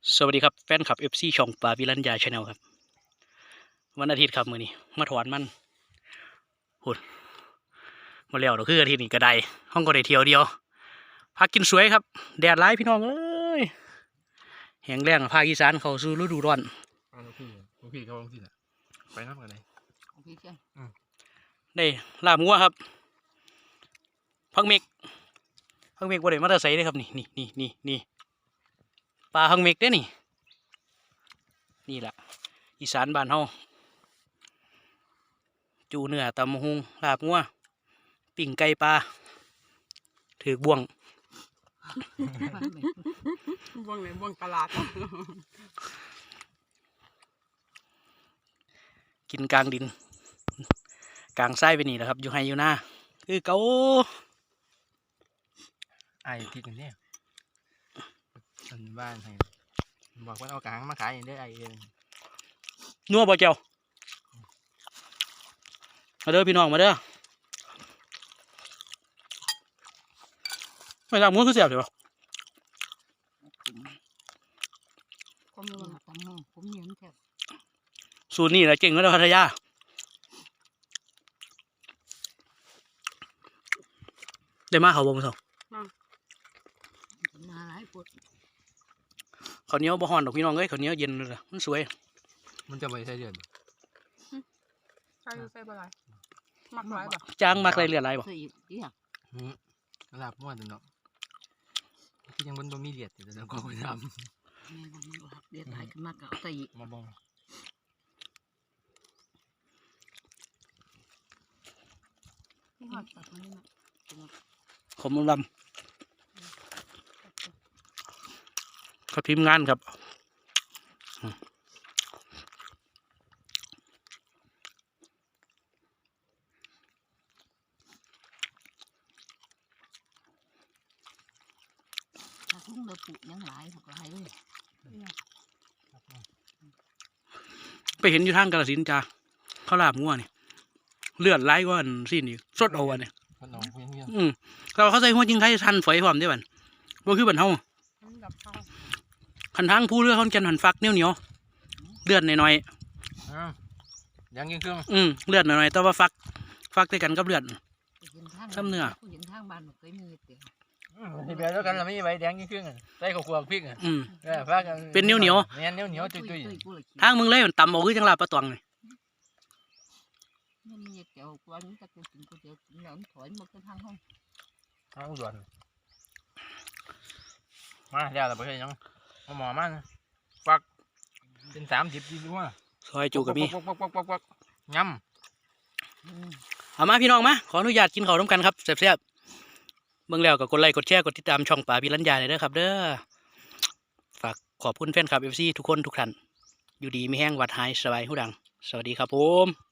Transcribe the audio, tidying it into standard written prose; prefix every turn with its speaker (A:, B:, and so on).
A: สวัสดีครับแฟนคลับ FC ช่องปาพิรัญญาชาแนลครับวันอาทิตย์ครับมื้อนี้มาถอนมันหุ่นมาแล้วเราคืออาทิตย์นี้ก็ได้ห้องก็ได้เที่ยวเดียวพักกินสวยครับแดดร้ายพี่น้องเอ้ยแห้งแล้งภาคอีสานเข้าสู่ฤดูร้อน
B: ลูกพี่เขาลงที่ไหนไปน้ำกันเลย
C: พี่เชียง
A: ได้ลาบงัวครับพักเมกบ่ได้มาแต่ไสเด้ครับนี่ปลาพักเมกเด้นี่แหละอีสานบ้านเฮาจูเนื้อตำบักหุ่งลาบงัวปิ่งไก่ปลาถือบ่วง
C: บ่วงไหนบ่วงตลาด
A: กินกลางดินกลางไส้ไปนี่แหละครับอยู่ไฮอยู่หน้าคือเกา
B: ไอ้ที่กันเนี่ยคนบ้านให้บอกว่าเอากลางมาขายอย่างได้ไอ้เอง
A: นัวบ่เจ้ามาเด้อพี่น้องมาเด้อไม่ลาบงัวคือเสียบเดี๋ยว
C: ผมมีวันตั้งมือผมเนียนแค่
A: สูตรนี่แหละเก่งแล้วพัทยาได้มาเขาบ่มาส่ง
C: มาหลายปวด
A: ข้าวเหนียวบ่ฮ้อนดอกพี่น้องเอ้ยข้าวเหนียวเย็นเลยมันสวย
B: มันจะไปใช้เดือน
C: ใส่ปลามักหลายบ่
A: จ้างมักไรเลือดไรบ่
B: หลับม้วนเนาะที่ยังบนบ่มีเลียดแต่เราก็ไปทำ
C: เลียดหลายขึ้นมากก็ใส่
B: มาบ่
A: ผมลำเขาทีมงานครับ
C: ทุ่งเดือปุยังหลายหลายเลย
A: ไปเห็นอยู่ทางกาฬสินธุ์จ้าเขาลาบงัวนี่เลือดไหลก็อันสิ้นอีกสดเอาอันเนี่ยเขาใส่หัวจริงไทยทันฝอยหอมได้บันว่าคือบันเฮาขันทางผู้เลือดเขาจะหันฟักเหนียวเลือดหน่อย
B: ยังยิงเครื่อง
A: เลือดหน่อยแต่ว่าฟักด้วยกันกับเลือดซ้ำเนื้อ
C: ทางบ้านเคยมีเตี๋ยว
B: ที่แบบแล้วกันเราไม่ใบแดงยิงเครื่องใส่ข้าวคั่วพริกฟัก
A: เป็นเหนียว
B: จุย
A: ทางมึงเลยมันต่ำเอาคือจังลาบปลาตองเลย
C: มันมีเตี๋ยวกวนจะกินก๋วยเตี๋ยวแล้วถอยมาทางห้อง
B: ทางด่วนมาเดี๋ยวเราไปยังหมอมันฟักเป็น30ดีด้วย
A: ซอยจูกับมี
B: ย้
A: ำเอามาพี่น้องมาขออนุญาตกินข้าวร่วมกันครับแซ่บเบิ่งแล้วก็กดไลค์กดแชร์กดติดตามช่องป่าพิรัญญาเลยเด้อครับเด้อฝากขอบคุณแฟนคลับ FC ทุกคนทุกท่านอยู่ดีไม่แห้งวัดหายสบายหูดังสวัสดีครับผม